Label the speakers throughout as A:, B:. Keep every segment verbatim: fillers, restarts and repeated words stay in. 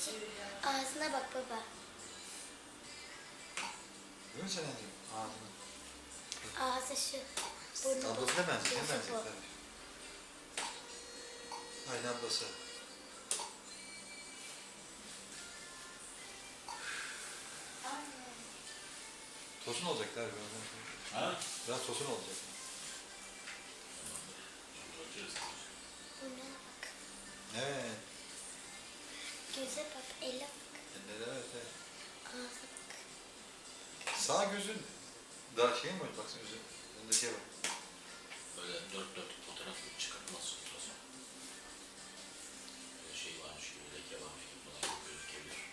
A: Ağzına bak baba.
B: Değil mi Senenciğim? Ağzına.
A: Ağzı şu. Burnu
B: Ablasına benziyor.
A: gözü
B: Ne
A: bu.
B: benziyor? Aynı ablası. Tosun olacaklar birazdan.
C: Ha?
B: Biraz tosun olacak.
A: Burnuna bak.
B: Evet.
A: Göze bak. Elle bak.
B: Evet, evet, evet.
A: Ağza bak.
B: Sağ gözün daha şey mi var? Baksana gözün. Önündekiye bak.
C: Böyle dört dört fotoğraf çıkartmaz ultrason. Böyle şey varmış gibi, leke varmış gibi falan gözükebilir.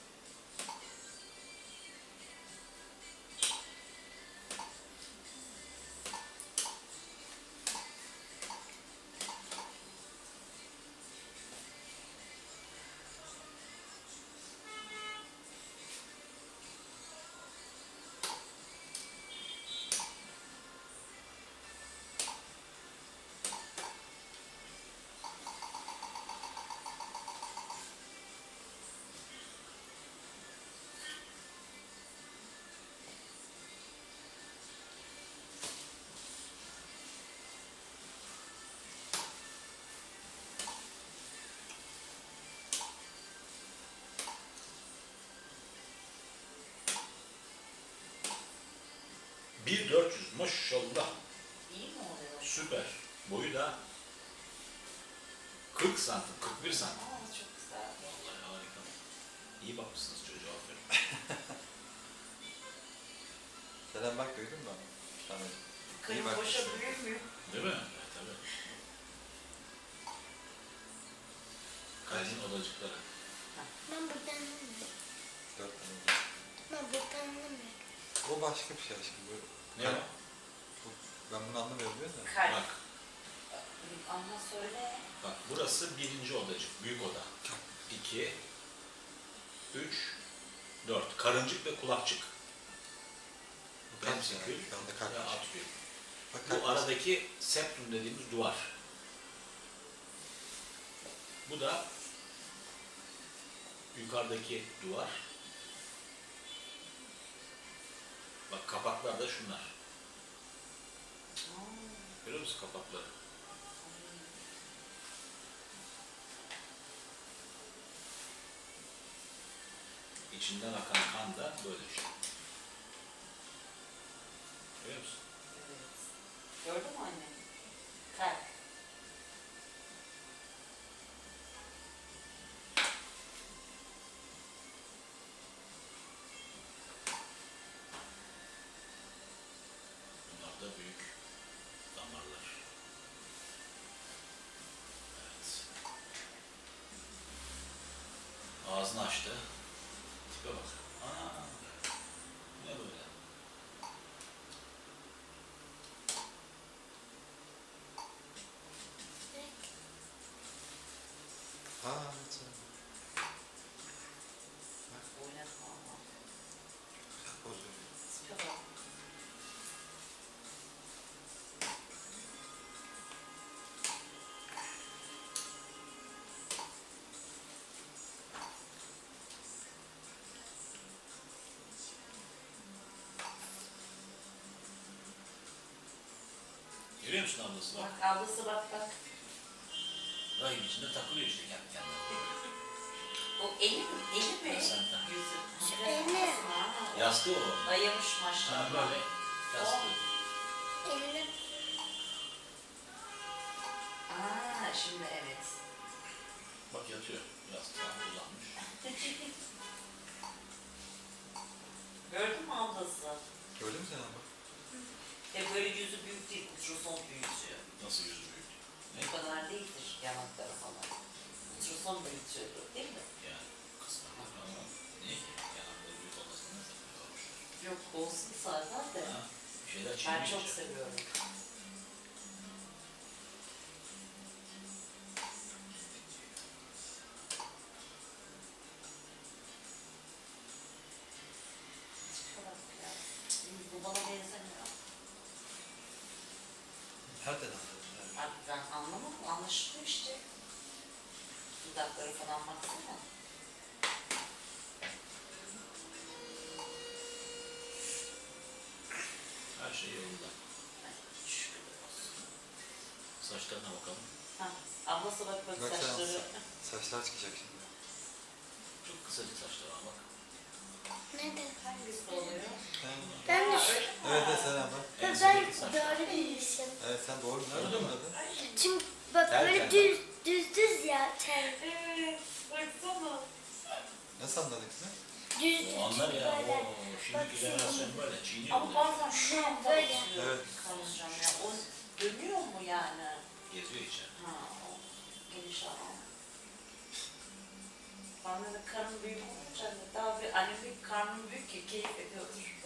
C: bir dört yüz maşallah.
D: İyi mi oluyor?
C: Süper. Boyu da kırk santim, kırk bir santim.
D: Aa, çok güzel.
C: Vallahi harika. İyi bakmışsınız çocuğa, aferin.
B: Selam bak duydun mu? Tamam.
D: Kırım
B: bak.
D: boşa büyümüyor.
C: Değil mi? Evet, tabii. Kalbin odacıkları.
A: Ben buradan anlamıyorum.
B: Dört tane oldu.
A: Ben buradan anlamıyorum.
B: O başka bir şey aşkım. Bu,
C: Ne o?
B: bu, ben bunu anlamıyorum diyor da.
D: Kalp.
C: Bak,
D: Ama söyle.
C: bak burası birinci odacık, büyük oda. İki, üç, dört. Karıncık ve kulakçık.
B: Bu kalp
C: Ventrikül
B: yani. Şu anda kalp.
C: ve atkül.
B: Bak, kalp
C: Bu aradaki septum dediğimiz duvar. Bu da yukarıdaki duvar. Bak kapaklar da şunlar. Görüyor musun kapakları? İçinden akan kan da böyle işte. Görüyor musun?
D: Evet. Gördün mü anne? Kalp.
C: Bunlar da büyük damarlar. Evet. Ağzını açtı. Tipe bak. Aa, ne böyle?
B: Ha, evet. Sen.
D: Oynatma ama.
B: Güzel poz veriyor.
D: Tipe bak.
C: Görüyor musun ablası bak.
D: Bak ablası bak bak.
C: Rahim içinde takılıyor işte kendi kendine.
D: O eli mi? Eli mi?
C: Sen tak.
D: Yüzü.
A: Şu eli.
D: Ha,
C: Yastığı o.
D: dayamış
C: Ha
D: maşallah.
C: böyle. Yastığı.
A: Elle.
D: Aa, şimdi evet.
C: Bak yatıyor. Yastığa uzanmış.
D: Gördün mü ablası?
B: Öyle mi sen ama?
D: E böyle yüzü büyük değil, ultrason büyütüyor.
C: Nasıl yüzü büyük? Ne?
D: Bu kadar değildir yanakları falan. Ultrason büyütüyordu değil mi?
C: Yani kısmen ama niye ki? Yanakları büyük olmasına ne zaman olmuş?
D: Yok olsun zaten de.
C: Ha? Bir şeyler
D: Ben
C: çiğneyecek.
D: çok seviyorum. Tipe bak ya. Bu bana benzemiyor.
B: Nereden anladın? Evet.
D: Abi ben anlamadım. Anlaşılıyor işte. Dudakları falan baksana.
C: Her şey yolunda.
D: Şükürler olsun.
C: Saçlarına bakalım.
D: Ha, ablası bak bak
B: Bak sen
D: saçları.
B: alsana. Saçlar çıkacak şimdi.
C: Çok kısacık saçlar var bak.
A: Neden?
D: Hangisi oluyor?
A: Ben de
D: Ha,
A: şu-
D: öyle mi?
B: Evet evet Selen bak.
A: ben
C: Ensindeki saçlar.
A: doğru bilmişim.
B: Evet sen doğru nereden
C: Gördün mü?
B: anladın?
A: Çünkü bak
C: Tel
A: böyle
C: tel.
A: düz düz düz ya tel.
D: Evet, baksana.
B: Nasıl anladın kızım?
A: Düz düz.
C: O anlar ya.
A: böyle.
C: Oo, şimdiki jenerasyon böyle çiğniyor
D: Ama
C: bunları.
D: bazen şu anda
A: Böyle.
D: oturuyor
B: Evet.
D: karıncam ya. O dönüyor mu yani?
C: Geziyor içeride.
D: Ha, o geniş alan. Bana da karnım büyük olunca hani daha bir annemin karnım büyük ki keyif ediyordur.